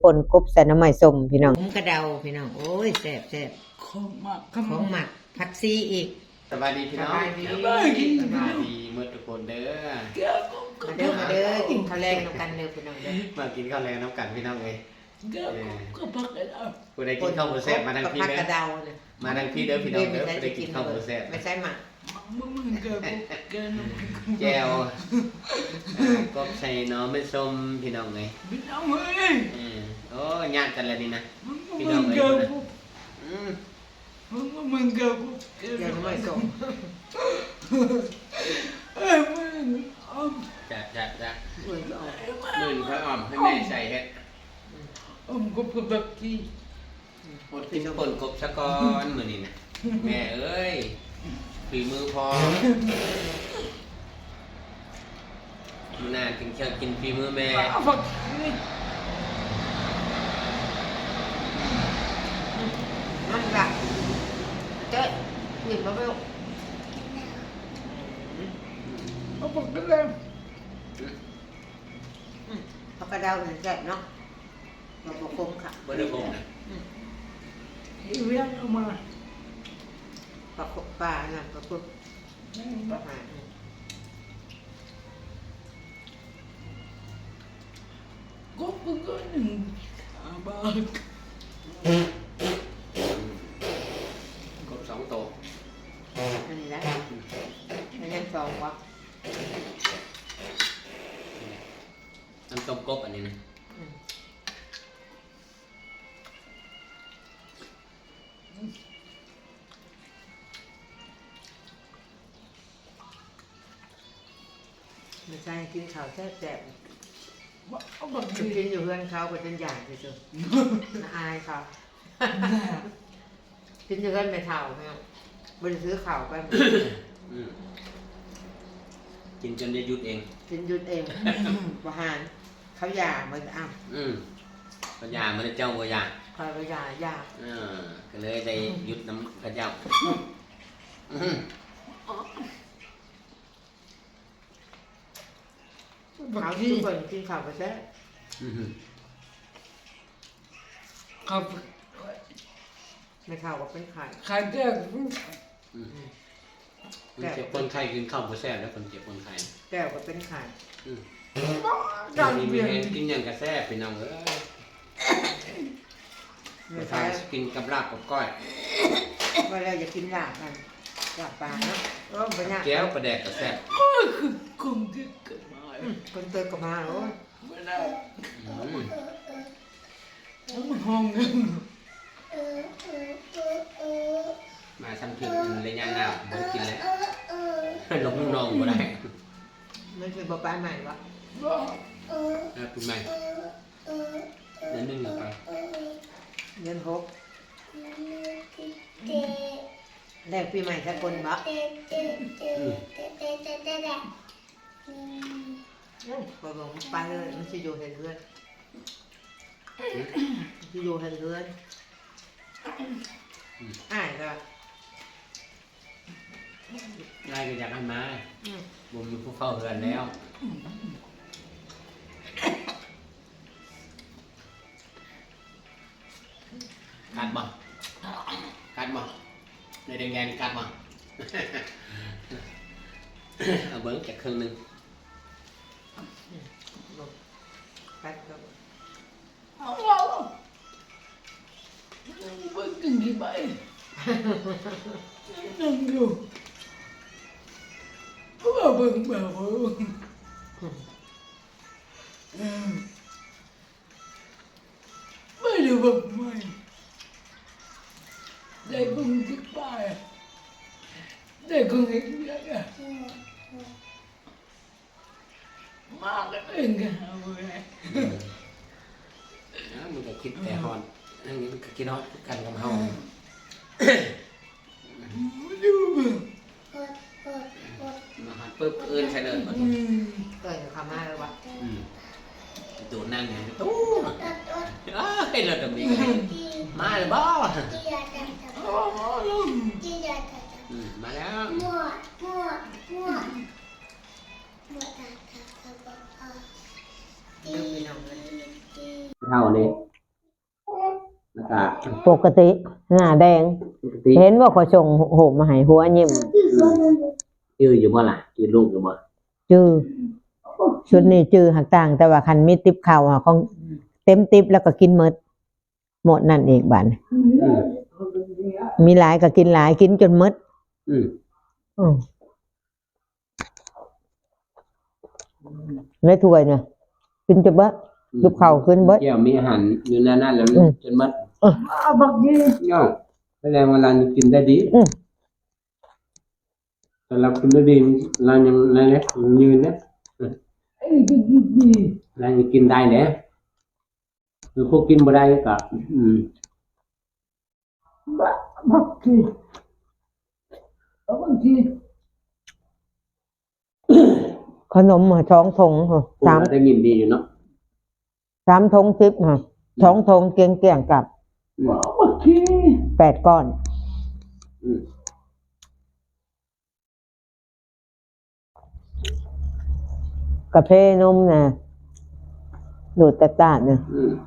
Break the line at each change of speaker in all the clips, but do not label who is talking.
ป่นกบใส่น้ำใหม่ส้มพี่น้องกระเดาพี่น้องโอ้ยแซ่บแซ่บของหมักผักซีอีก
สบายดีพี่น้องสบายดีเมื่อทุกคนเด้อ
มาเด้อกินข้าวแรงน้ำกันเด้อพี่น้องเด้อ
มากินข้าวแรงน้ำกันพี่น้องเลย
ก็พักกระเดา
ผู้ใดกินข้าวหมูแซ่บมาทางพี่เด้อมาทางพี่เด้อพี่น้องเด้อผู้ใดกินข้าวหมูแซ่บ
ไม่ใช่หมัก
มึงเกิน
แก้วก็ใส่น้องไม่ส้มพี่น้องเลย
พี่น้องเฮ้ย
โอ้ญาติกันแล้วนี่นะ
พี่น้องเลยมึงเกิน
น้ำใหม่ส้ม
มึง
จัดมื่นพระอ่อมให้แม่ใส่เฮ็ด
ก็เพื่อแบบที่
หมดกินป่นกบสะก้อนมื้อนี้นะแม่เอ้ยฝีมือพอมื้อหน้ากินเชียวกินฝีมือแม่
มันแบบเจ๊หยิบมาไปลูก
เอาปากกระเดา
ผักกระเดาเนี่ยแซ่บเนาะเราบอกคมค่ะ
บ่ได้คมนะ
เรียกเอามา
ปลาน่ะปลาปุ๊บปลาหา
ก็หนึ่งบาท
กบ2ตัว
อันนี้แหละอันนี้สองวะ
น้ำต้มกบอันนี้นะ
ไม่ใช่กินข้าวแซ่บ
เอาแบบ
กินอยู่เพื่อนเขาเป็นตัวอย่างที่สุดอายเขากินอยู่เพื่อนไม่เท่าไม่เอาบริซื้อข่าวไป
กินจนได้หยุดเอง
กินหยุดเองประหารเขาหย่ามันอ้าว
พญามันเจ้าบ่ยา
คอยไปหย่า
ก็เลยได้หยุดน้ำพระเจ้า
เขาทุกคนกินข้าวไปแซ่
ครับ
ไม่ข้าวก็เป็นไข่
ไข่แก้ว
เจ็บคนไข้กินข้าวบ่แซ่บแล้วคนเจ็บคนไข้
แก้วก็เป็นไข่
มีแห้งกินอย่างกระแซ่บพี่น้องเอ้ยไม่ทานกินกับลาบกับก้อย
เวลาจะกินลาบกันลาบปลาเนาะ
แก้วปลาแดกกระแซ่บ
คนที่เกิดมา
คนเติมกับมาโอ้
ไม่ได้มันห้องนึง
มาทำผิดเลยย่างหน้าบ่กินเลยหลงนองบ่ได้
มันเป็นบ่ปลาใหม่วะ
ปีใหม่เดือนหนึ่งหรือเปล่า
เดือน6แรกปีใหม่สักคนบ่บ่บอกไปเลยมันจะอยู่เห็นเพื่อนจะอยู่เห็นเพื่อนก็
ไล่ก็อยากให้มาบ่มีผู้เฝ้าเรือนแล้วกัดบ่ในแดงกัดบ่เอาเบิ้งจากครึ่งนึง
กัดก็
เบิ้งกินกี่ใบนั่งอยู่ก็เบิ้งแบบไม่ได้แบบไม่ได้คงที่ป้ายได้คงเห็นยังไงมากเลยกันเลย
มันก็คิดแต่ฮอนอันนี้มันก็คิดฮอนกันกับเฮา
ดู
มาหันปึ๊บอื่นใช่เลยบ่
เกิดคำมาเลยวะ
ตัวนั่งอย่างนี้ตู้เฮ้ยเราจะมีมาเลยบ่มาแล้วเท่านี้แล้วก็
ปกติหน้าแดง
ปกติ
เห็นว่าเขาส่งโหมมาให้หัวยิ้ม
ชื่ออยู่บ่ล่ะชื่อลูกอยู่บ่
จื้อชุดนี้จื้อหักต่าง แต่ว่าคันมีติ๊บข้าวของเต็มติ๊บแล้วก็กินหมดนั่นเองบัด
อืม
มีหลายก็กินหลายกินจนหมด
อืม
อืมในถ้วยเนี่ยกินจนเบิดลูกข้าวขึ้นเบิด
แก้วมีอาหารอยู่ในนั้นแล้วจนหมด
บักยี่
ย่อแสดงว่าเรากินได้ดีแต่เรากินได้ดีเรายังนั่นแหละยืนนะ
ไอ้ที่ดี
เรายังกินได้แหละคือพวกกินบ่ได้ก็
บักยี่บักยี่
ขนมสองถุงสาม
ได้ยินดีอยู่เนาะ
3 ถุง10ค่ะ2 ถุงเกลี้ยงกับ
บักยี่
8 ก้อนกาแฟนมนะดูดตาดเนี่ย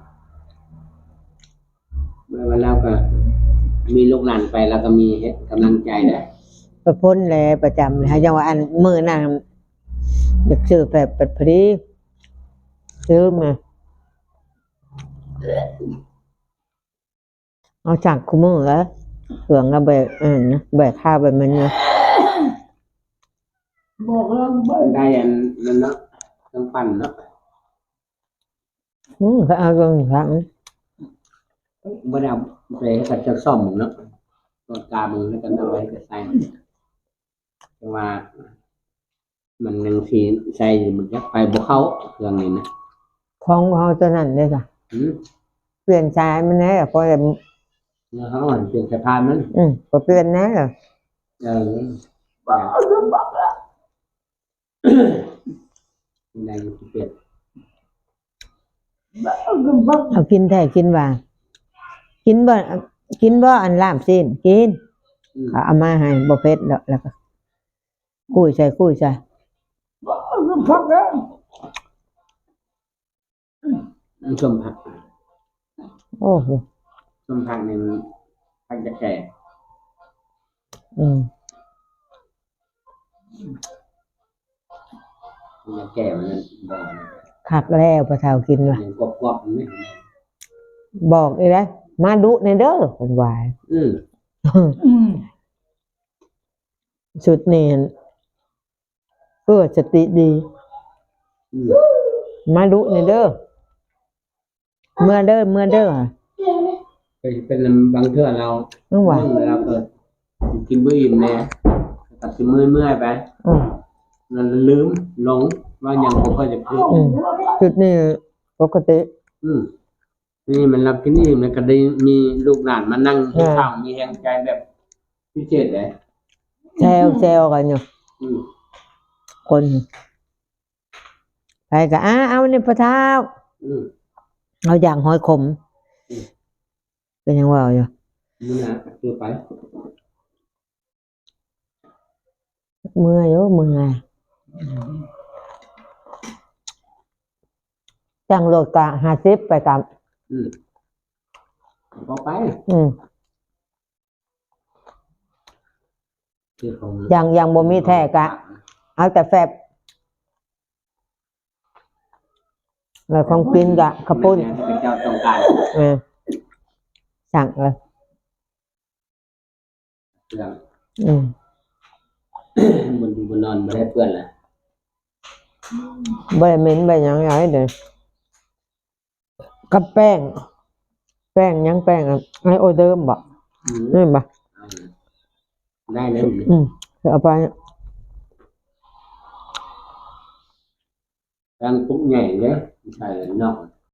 เมื่อวันแล้วก็มีลูกหลานไปแล้วก็มีกำลังใจได้
ประพ้นแลประจำเลยยังว่าอันมือนั่งอยากซื้อแบบเป็ดพอดีซื้อมาเอาจากคุมือแล้วเสืองกับแบบนะแบบข้าวแบบมันนะ
บอกแล้วไป
ได้อันนั้นเนาะต้องปั่นเนาะ
ก็เอากันครั้ง
บ่ได้เอาไปให้กับเจ้าซ่อมเนาะตัวกามึงแล้วกันเอาไว้กับใส่แต่ว่า มันยังสีใส่มันจะไปบ่เข้าเครื่องนี้นะ
ของเขาตัวนั้นเลยจ้ะเปลี่ยนชายมันแน่เพราะแบบ
เนื้อเขาอ่อนเปลี่ยนสะพานมัน
ก็เปลี่ยนแน่เลย
บักละ
ได้เปลี่ยน
บัก
เอากินแท้กินว่ากินบ่อันลาบสิ้นกินเอามาให้บ่เผ็ดแล้วก็กุ้ยใส่
บักละ
ส้มผัก
โอ้โห
ส้มผักนี่มันผักจะแก่มันจะแก่มันบ่นะ
คักแล้วพระเฒ่ากินว่ะ
ยังกรอบๆไหม
บอกอีได้มาดุในเด้อคนวาย ชุดนี้เพื่อสติดี มาดุในเด้อเมื่อเด้อ
เป็นบางเทื่อเรา
นึกว่า
เราเกิดกินมื้ออิ่มแน่ตัดสิเมื่อยไปเราลืมหลงว่าอย่างผมก็จะพูด
ชุดนี้ปกติ
นี่มันรับกินอิ่มแล้วก็ได้มีลูกหลานมานั่งให้ข้าวมีแรงใจแบบพิเศษเลย
แซวกันอยู่คนไปก็เอาในพระเท้าเอาอย่างหอยขมเป็นยังว่าอยู่
นี่นะคือไป
เมื่อยจังโลดกะ50ไปตาม
พอไป
ยังบ่มีแท้กะ เอาแต่แฟบแล้วของกินกะข้าวปุ้น
เป็นเจ้าต้องการ
สั่งเลย
เรื่อง บนนอนไม่ได้เพื่อนเลย
ใบเหม็นใบหยังไงเด้อกับแป้งยังแป้งไอโอเดิมบ่นี่บ่
ได้เลย
เอาไป
การปุ๊บใหญ่เลยใส่นอก